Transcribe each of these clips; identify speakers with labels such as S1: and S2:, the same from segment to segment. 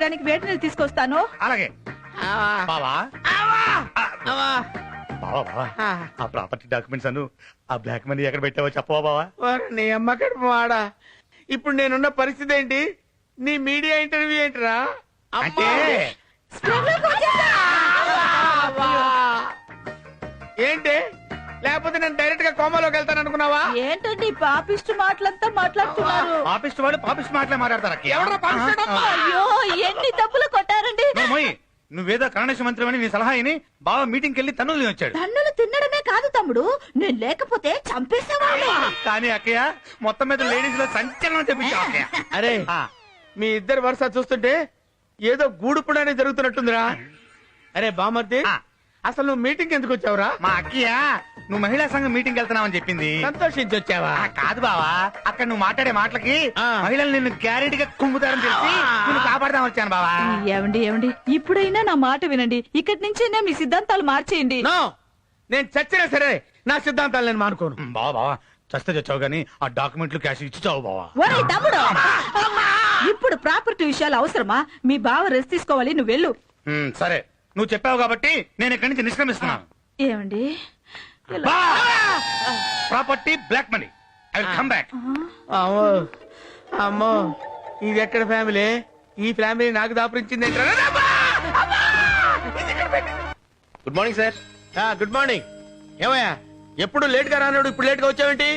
S1: చేయడానికి వేడి నీళ్ళు తీసుకొస్తాను.
S2: అలాగే బావా బావా బావా ఆ ప్రాపర్టీ డాక్యుమెంట్స్ అను ఆ బ్లాక్ మనీ ఎక్కడ పెట్టావో చెప్పవా బావా?
S3: నీ అమ్మ కడుపు వాడా. ఇప్పుడు నేనున్న పరిస్థితి ఏంటి? నీ మీడియా ఇంటర్వ్యూ ఏంటిరా?
S2: అంటే
S3: ఏంటి? లేకపోతే నేను డైరెక్ట్ గా కోమాలోకి వెళ్తాను అనుకున్నావా?
S1: ఏంటండి పాపిష్టి మాటలంతా మాట్లాడుతున్నారు?
S2: పాపిస్ట్ వాడు పాపిస్ట్ మాటలే మాట్లాడతారు.
S3: ఎవడ్రా పాపిష్టి?
S1: అయ్యో ఎన్ని డబ్బులు కొట్టారండి.
S2: నువ్వేదో కరుణేశ మంత్రి అని నీ సలహా అయిని బావ మీటింగ్కి వెళ్ళి తన్నులు వచ్చాడు.
S1: తన్నులు తినడమే కాదు తమ్ముడు, నేను లేకపోతే చంపేసేవాళ్ళు.
S2: కానీ అక్కయ్య మొత్తం మీద లేడీస్ లో సంచలనం తెప్పించా అక్కయ్య.
S3: అరే మీ ఇద్దరు వరుస చూస్తుంటే ఏదో గూడుపుడానే జరుగుతున్నట్టుందిరా. అరే బామర్ది, అసలు నువ్వు మీటింగ్ ఎందుకు వచ్చావురా?
S2: మా అక్కయ్య నువ్వు మహిళా సంఘం మీటింగ్ వెళ్తున్నావని చెప్పింది.
S3: సంతోషించి వచ్చావా?
S2: కాదు బావా, అక్కడ నువ్వు మాట్లాడే మాటలకి మహిళలు నిన్ను గ్యారెంటీ గా కుమ్ముతారని తెలిసి నిన్ను కాపాడదాం వచ్చాను బావా.
S1: ఏమండి ఏమండి, ఇప్పుడైనా నా మాట వినండి. ఇక్కడి నుంచైనా మీ సిద్ధాంతాలు మార్చేయండి.
S3: నేను చచ్చినా సరే నా సిద్ధాంతాలు నేను మానుకోను.
S2: బావా బావా చస్తే చచ్చావు గానీ ఆ డాక్యుమెంట్లు క్యాష్ ఇచ్చి చావు బావా.
S1: ఒరే తమ్ముడు, ఇప్పుడు ప్రాపర్టీ విషయాలు అవసరమా? మీ బావ రెస్ట్ తీసుకోవాలి, నువ్వు వెళ్ళు.
S2: సరే నువ్వు చెప్పావు కాబట్టి నేను ఇక్కడి నుంచి నిష్క్రమిస్తున్నాను.
S1: ఏమండి
S2: property black money I will come back.
S3: అమ్మో ఇది ఎక్కడ ఫ్యామిలీ? ఈ ఫ్యామిలీ నాకు దాపరించింది.
S4: Good morning sir.
S3: Good morning. ఏమయ్యా ఎప్పుడు లేట్ గా రానాడు, ఇప్పుడు లేట్ గా వచ్చావేంటి?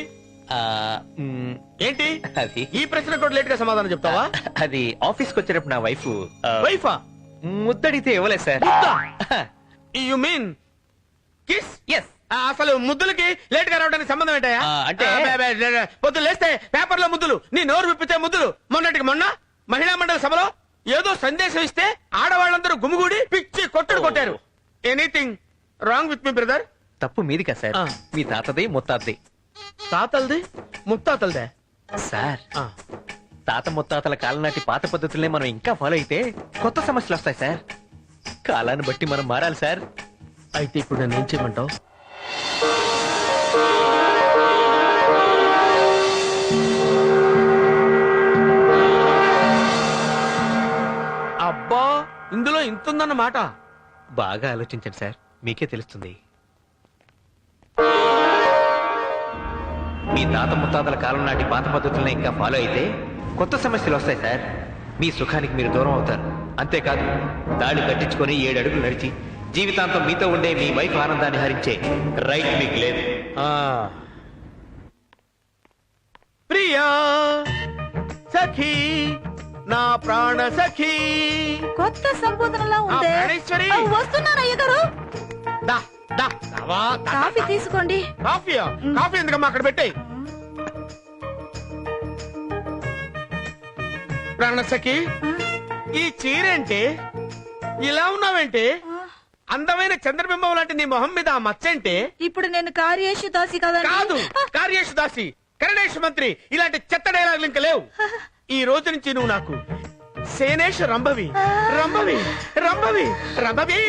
S3: ఏంటి
S4: అది
S3: ఈ ప్రశ్న కూడా లేట్ గా సమాధానం చెప్తావా?
S4: అది ఆఫీస్ కి వచ్చేటప్పుడు నా వైఫ్
S3: వైఫా
S4: ముద్దడితే ఇవ్వలేదు సార్.
S3: You mean kiss?
S4: ఎస్.
S3: అసలు ముద్దులకి లేట్ గా రావడానికి సంబంధం ఏంటయ్యా?
S4: అంటే
S3: పొద్దులు లేస్తే పేపర్ లో ముద్దులు, నీ నోరు విప్పితే ముద్దులు. మొన్నటికి మొన్న మహిళా మండలి సభలో ఏదో సందేశం ఇస్తే ఆడవాళ్ళందరూ గుమిగూడి పిచ్చి కొట్టుడు కొట్టారు. ఎనీథింగ్ రాంగ్ విత్ మీ బ్రదర్?
S4: తప్పు మీది కదా సార్, మీ తాతది ముత్తాతది.
S3: తాతలది ముత్తాతలదే
S4: సార్. తాత ముత్తాతల కాలం నాటి పాత పద్ధతులనే మనం ఇంకా ఫాలో అయితే కొత్త సమస్యలు వస్తాయి సార్. కాలాన్ని బట్టి మనం మారాలి సార్.
S3: అయితే ఇప్పుడు నన్ను ఏం చేయమంటావు? అబ్బా ఇందులో ఇంతుందన్నమాట.
S4: బాగా ఆలోచించండి సార్, మీకే తెలుస్తుంది. మీ తాత ముత్తాతల కాలం నాటి పాత పద్ధతులను ఇంకా ఫాలో అయితే కొత్త సమస్యలు వస్తాయి సార్. మీ సుఖానికి మీరు దూరం అవుతారు. అంతేకాదు దాడి కట్టించుకొని 7 అడుగులు నడిచి జీవితాంతం మీతో ఉండే మీ వైఫ్ ఆనందాన్ని హరించే రైట్ మీకు లేదు.
S3: ప్రియా సఖీ నా ప్రాణ సఖీ.
S1: కొత్త సంబోధనలా ఉంది. వస్తున్నాను అయ్య గారు. కాఫీ తీసుకోండి.
S3: కాఫీయా? కాఫీ ఎందుకమ్మా అక్కడ పెట్టాయి. ప్రాణసఖి ఈ చీరేంటి? ఇలా ఉన్నావేంటి? అందమైన చంద్రబింబం లాంటి నీ మొహం మీద ఆ మచ్చేంటి?
S1: ఇప్పుడు నేను కార్యేషు దాసి కదా?
S3: కాదు, కార్యేషు దాసి, కరణేష్ మంత్రి ఇలాంటి చెత్త డైలాగులు ఇంకా లేవు. ఈ రోజు నుంచి నువ్వు నాకు సేనేష్ రంభవి రంభవి రంభవి రంభవి.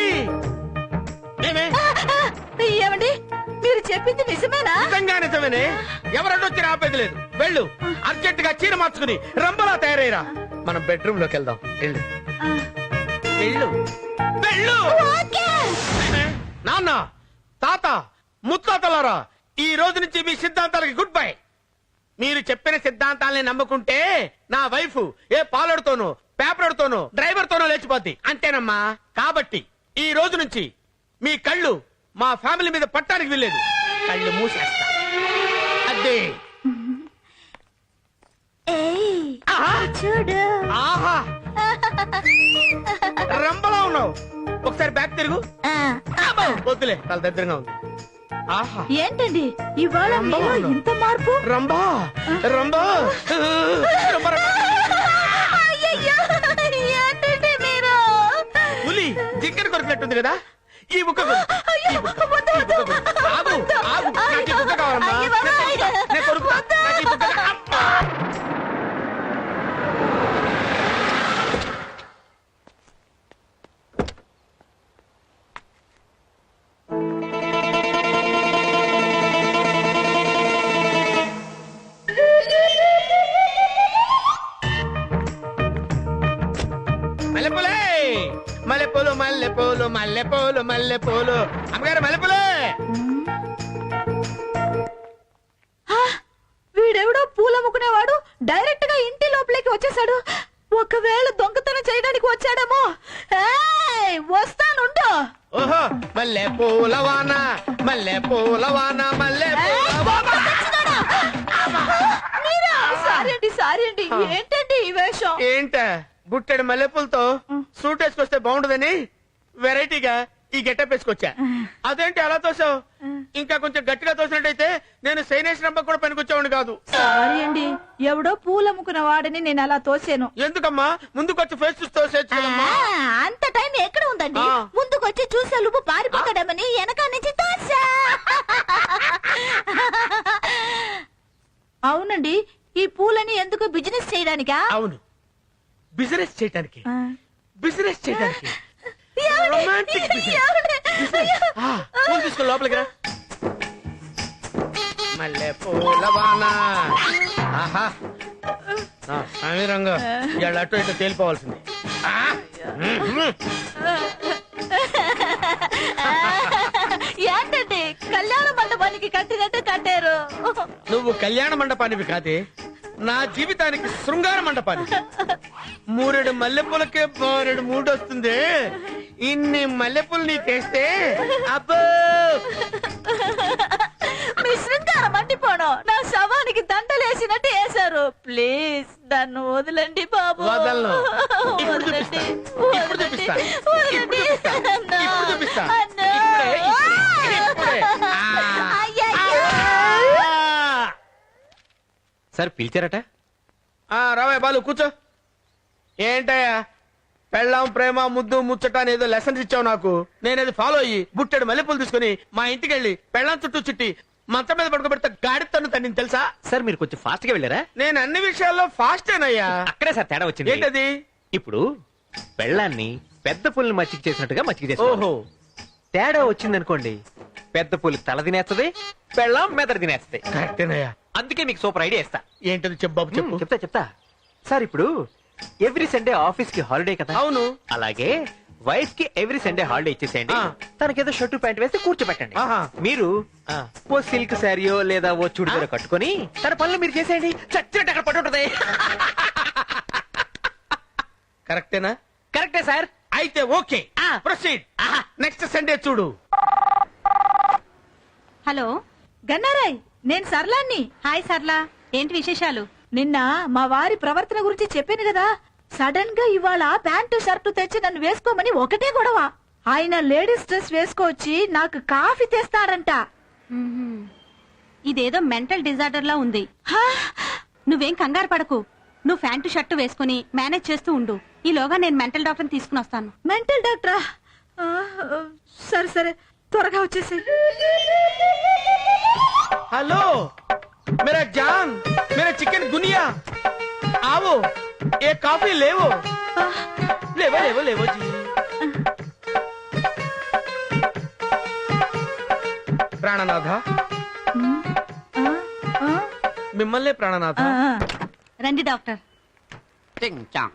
S1: ఏమండి మీరు చెప్పింది నిజమేనా?
S3: నిజంగా నిజమేనే. ఎవరన్నొచ్చి ఆపేది లేదు. వెళ్ళు, అర్జెంట్ గా చీర మార్చుకుని రంభలా తయారయ్యరా. మనం బెడ్రూమ్ లోకి వెళ్దాం. వెళ్ళు వెళ్ళు వెళ్ళు. నాన్న, తాత, ముత్తాతలారా, ఈ రోజు నుంచి మీ సిద్ధాంతాలకి గుడ్ బై. మీరు చెప్పిన సిద్ధాంతాలని నమ్ముకుంటే నా వైఫ్ ఏ పాలడుతోనో పేపర్తోనో డ్రైవర్ తోనో లేచిపోద్ది. అంతేనమ్మా. కాబట్టి ఈ రోజు నుంచి మీ కళ్ళు మా ఫ్యామిలీ మీద పట్టానికి వెళ్ళలేదు. కళ్ళు మూసేస్తా. అదే
S1: చూడు.
S3: ఆహా రంబలా ఉన్నావు. ఒకసారి బ్యాక్ తిరుగు. వద్దులే, చాలా దగ్గరగా ఉంది. ఆహా
S1: ఏంటండి ఇవాళ మీలో ఇంత మార్పు?
S3: రంబా రంబా
S1: ఏంటండి మీరు?
S3: పులి జింకర కొరికినట్టుంది కదా. ఈ బుక్క ఆగు ఆగు. నాకు ఈ బుక్క కావాలమ్మా. నేను కొరుకుతా. నాకు ఈ బుక్క మల్లెపూలు మల్లెపూలు అమ్మగారు మల్లెపూలే.
S1: వీడెవడో పూలమ్ముకునేవాడు డైరెక్ట్ గా ఇంటి లోపలికి వచ్చేసాడు. ఒకవేళ దొంగతనం చేయడానికి వచ్చాడేమో. వస్తానుండు.
S3: ఓహో మల్లెపూల వాన మల్లెపూల వాన
S1: సారీ అండి ఏంటండి ఈ వేషం?
S3: ఏంట బుట్టెడు మల్లెపూలతో సూట్ వేసుకొస్తే బాగుండదని వెరైటీగా ఈ గెటప్ వేసుకొచ్చా. అదేంటి అలా తోసావు? ఇంకా కొంచెం గట్టిగా తోసినట్టయితే నేను సైనేష్ రంప కూడా పనికొచ్చేవాడిని కాదు.
S1: సారీ అండి, ఎవడో పూలమ్ముకున్న వాడిని నేను అలా తోసాను.
S3: ఎందుకమ్మా ముందుకొచ్చి ఫేస్ చూసి తోసేచ్చు కదమ్మా.
S1: అంత టైం ఎక్కడ ఉందండి? ముందుకొచ్చి చూసే లోపు పారిపోతాడమని వెనక నుంచి తోసా. అవునండి, ఈ పూలని ఎందుకు బిజినెస్ చేయడానికా?
S3: అవును, బిజినెస్ చేయడానికి. బిజినెస్ చేయడానికి రొమాంటిక్ బిజినెస్. పూలు తీసుకో లోపలికి రా. మల్లె పూల వాన. ఆహా సమీరంగా ఇవాళ అటు ఇటు తేలిపోవాల్సింది.
S1: ఏంటండి కళ్యాణ మండపానికి కట్టినట్టు కట్టారు?
S3: నువ్వు కళ్యాణ మండపానివి కాదే, నా జీవితానికి శృంగార మండపానికి. మూరెడు మల్లెపూలకే బారెడు మూడు వస్తుంది. ఇన్ని మల్లెపూలు నీ తెస్తే అబ్బో
S1: మీ శృంగారం మండిపోవడం నా శవానికి దండలేసినట్టు వేశారు. ప్లీజ్ నన్ను వదలండి బాబు.
S3: వదలను. ఇప్పుడు
S1: వదలండి.
S3: చూపిస్తా. ఇప్పుడు
S1: వదలండి.
S3: చూపిస్తా.
S1: వదలండి.
S3: ఇప్పుడు చూపిస్తా.
S1: అన్నా.
S3: ఇప్పుడు చూపిస్తా.
S1: అన్నా.
S3: ఇప్పుడే.
S1: అయ్యయ్యో.
S4: సార్ పిలిచారట?
S3: రావయ్య బాలు కూర్చో. ఏంటయ్యా పెళ్ళాం ప్రేమ ముద్దు ముచ్చట అని ఏదో లెసన్స్ ఇచ్చావు నాకు. నేనేది ఫాలో అయ్యి బుట్టెడు మల్లెపూలు తీసుకుని మా ఇంటికి వెళ్ళి పెళ్ళాం చుట్టూ చుట్టి మంచం మీద పడుకోబెడితే గాడితను తన్ని తెలుసా?
S4: సార్ మీరు కొంచెం ఫాస్ట్ గా వెళ్ళారా?
S3: నేను అన్ని విషయాల్లో ఫాస్టేనయ్యా.
S4: అక్కడే సార్ తేడా వచ్చింది.
S3: ఏంటది?
S4: ఇప్పుడు పెళ్ళాన్ని పెద్ద పుల్ని మచ్చిక చేసినట్టుగా మచ్చిక చేసి
S3: ఓహో
S4: తేడా వచ్చిందనుకోండి, పెద్ద పులి తల తినేస్తది, పెళ్ళాం మెదడు తినేస్తది.
S3: కరెక్టేనయ్యా.
S4: అందుకే మీకు సూపర్ ఐడియా ఇస్తా.
S3: ఏంటది చెప్పు బాబు చెప్పు.
S4: చెప్తా సార్. ఇప్పుడు ఎవ్రీ సండే ఆఫీస్ కి హాలిడే కదా?
S3: అవును.
S4: అలాగే వైఫ్ కి ఎవ్రీ సండే హాలిడే ఇచ్చేసేయండి. తనకేదో షర్టు ప్యాంట్ వేసి కూర్చోబెట్టండి.
S3: ఆహా.
S4: మీరు ఓ సిల్క్ శారీయో లేదా ఓ చుడిదారో కట్టుకొని తన పనులు మీరు చేసేయండి. చచ్చినట్టు అక్కడ పట్టుంటది.
S3: కరెక్టేనా?
S4: కరెక్టే సార్.
S3: అయితే ఓకే, ప్రొసీడ్. నెక్స్ట్ సండే చూడు.
S5: హలో
S1: గన్నారాయ్, నేను సర్లాన్ని.
S5: హాయ్ సర్లా, ఏంటి విశేషాలు?
S1: నిన్న మా వారి ప్రవర్తన గురించి చెప్పాను కదా. సడన్ గా ఇవాళ ప్యాంటు షర్టు తెచ్చి నన్ను వేసుకోమని ఒకటే గొడవ. ఆయన లేడీస్ డ్రెస్ వేసుకొచ్చి నాకు కాఫీ తెస్తాడంట.
S5: ఇదేదో మెంటల్ డిజార్డర్ లా ఉంది.
S1: హా?
S5: నువ్వేం కంగారు పడకు. నువ్వు ప్యాంటు షర్టు వేసుకుని మేనేజ్ చేస్తూ ఉండు. ఈలోగా నేను మెంటల్ డాక్టర్ తీసుకుని వస్తాను.
S1: మెంటల్ డాక్టరా? ఆ, సరే సరే, త్వరగా వచ్చేసి.
S3: हेलो मेरा जान, मेरा चिकन गुनिया, आओ एक कॉफी लेवो. लेवो लेवो लेवो जी. ప్రాణనాథ, మిమ్మల్ని ప్రాణనాథ.
S5: రండి డాక్టర్.
S6: టింగ్ చాంగ్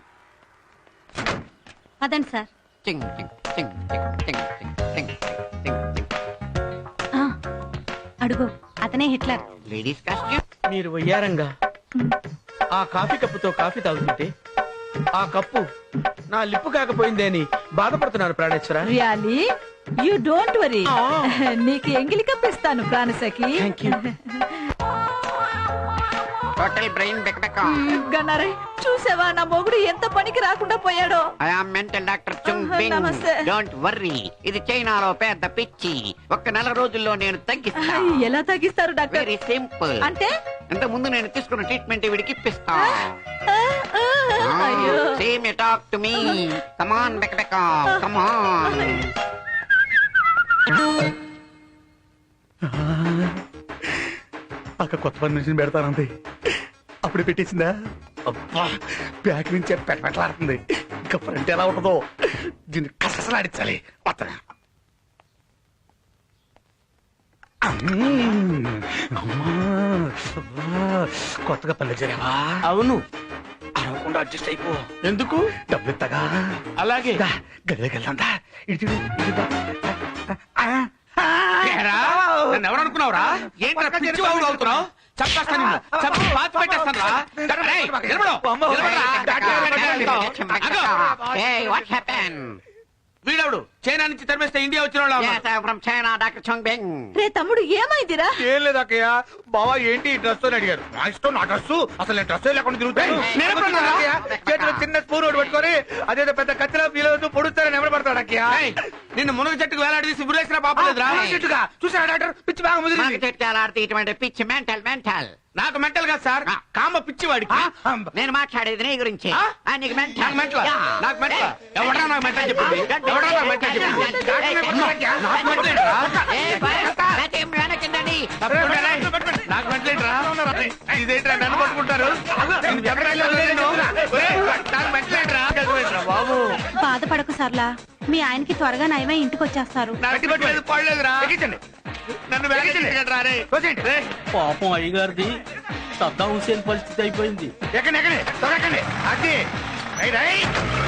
S5: పదండి సార్.
S6: టింగ్ టింగ్ టింగ్ టింగ్ టింగ్ టింగ్ టింగ్ టింగ్.
S5: ఆ, అడుగు, అతనే హిట్లర్.
S6: Ladies costume.
S3: మీరు వయ్యారంగా ఆ కాఫీ కప్పుతో కాఫీ తాగుతుంటే ఆ కప్పు నా లిప్పు కాకపోయిందే అని బాధపడుతున్నాను ప్రాణేశ్వర.
S1: Really you don't worry.
S3: ఆ.
S1: నీకు ఎంగిలి కప్పిస్తాను ప్రాణసఖి.
S3: Thank you.
S6: టోటల్ బ్రెయిన్ బెక్బెక్.
S1: గన్నారై, చూసావా నా మొగుడు ఎంత పనికి రాకుండా పోయాడో.
S6: I am mental doctor Chung Bing.
S1: నమస్తే.
S6: డోంట్ వర్రీ, ఇది చైనాలో పెద్ద పిచ్చి. ఒక్క నెల రోజుల్లో నేను తగ్గిస్తా.
S1: ఎలా తగ్గిస్తారు డాక్టర్?
S6: Very simple.
S1: అంటే
S6: ఇంత ముందు నేను తీసుకున్న ట్రీట్మెంట్ వీడికి ఇప్పిస్తా.
S1: అయ్యో.
S6: Same you talk to me. Come on బెక్బెక్, కమ్ ఆన్.
S2: అక్క కొత్త పని నుంచి పెడతానంది, అప్పుడే పెట్టేసిందా? అబ్బా, బ్యాక్ నుంచి పెట్టలాడుతుంది. ఇంకా ఫ్రంట్ ఎలా ఉంటుందో దీన్ని కసలాడించాలి. వస్తా. కొత్తగా పల్లె చేరావా?
S3: అవును,
S2: అరవకుండా తమ్ముడు అడ్జస్ట్ అయిపో.
S3: ఎందుకు?
S2: డబ్బులు ఇస్తాగా.
S3: అలాగే
S2: గదిలోకి వెళ్దా. ఇటు చూడు, ఇటు చూడు.
S3: ఏరా, నన్ను ఎవరు అనుకున్నావురా? ఏంట్రా పిచ్చి వాగుడు అవుతున్నావు? చంపేస్తాను నిన్ను. చంపి పాతి పెట్టేస్తాను రా. రేయ్, నిలబడు. నిలబడురా.
S6: Hey, what happened?
S3: వీడవుడు చైనా నుంచి తరిమేస్తే ఇండియా వచ్చిన వాళ్ళు
S6: Yes, I'm from China, Dr. Chong Bing.
S1: రే తమ్ముడు ఏమైందిరా?
S2: ఏం లేదు అక్కయ్య. బావా ఏంటి ఈ డ్రెస్ అని అడిగారు. నా ఇష్టం, నా డ్రెస్. అసలు నేను డ్రెస్ లేకుండా తిరుగుతాను.
S6: నేను ఎప్పుడు అన్నాను
S2: అక్కయ్య, చేతిలో చిన్న స్పూన్ ఒకటి పట్టుకొని అదేదో పెద్ద కత్తిలో ఫీల్ అవుతూ పొడుస్తారని ఎవరు పడతాడు అక్కయ్య.
S3: నిన్ను మునగ చెట్టుకు వేలాడదీసి బురేసిన పాపలేదురా?
S2: చెట్టుగా చూసారా డాక్టర్? పిచ్చి బాగా
S6: మాకు
S2: ముదిరింది.
S6: చెట్టాలాడితే ఇటువంటి పిచ్చి మెంటల్.
S3: నాకు మెంటల్ కాదు సార్, కామ పిచ్చి వాడికి.
S6: నేను మాట్లాడేది నీ గురించి.
S3: ఆ?
S6: నీకు మెంటల్.
S3: నాకు మెంటల్. నాకు మెంటల్. ఎవడరా నాకు మెంటల్ చెప్పింది? ఎవడరా నాకు మెంటల్ చెప్పింది? నాకు మెంటల్ ఏంట్రా?
S6: వెనకండి.
S3: నాకు మెంటల్ ఏంట్రా? ఇదేంట్రా నన్ను పట్టుకుంటారు? నేను ఎక్కడికి వెళ్ళను. ఒరేయ్, నాకు మెంటల్ ఏంట్రా? బాబు
S5: బాధపడకు సర్లా, మీ ఆయనకి త్వరగా నయమై ఇంటికి వచ్చేస్తారు.
S3: నాకు పట్టలేదు, పడలేదురా.
S2: ఎక్కించండి.
S3: నన్ను వేగరా రే.
S2: తోసేయండి.
S7: పాపం అయ్యగారిది సద్దాం హుసేన్ పరిస్థితి అయిపోయింది.
S2: ఎక్కండి, ఎక్కండి, త్వరగా ఎక్కండి. అది రై, రై.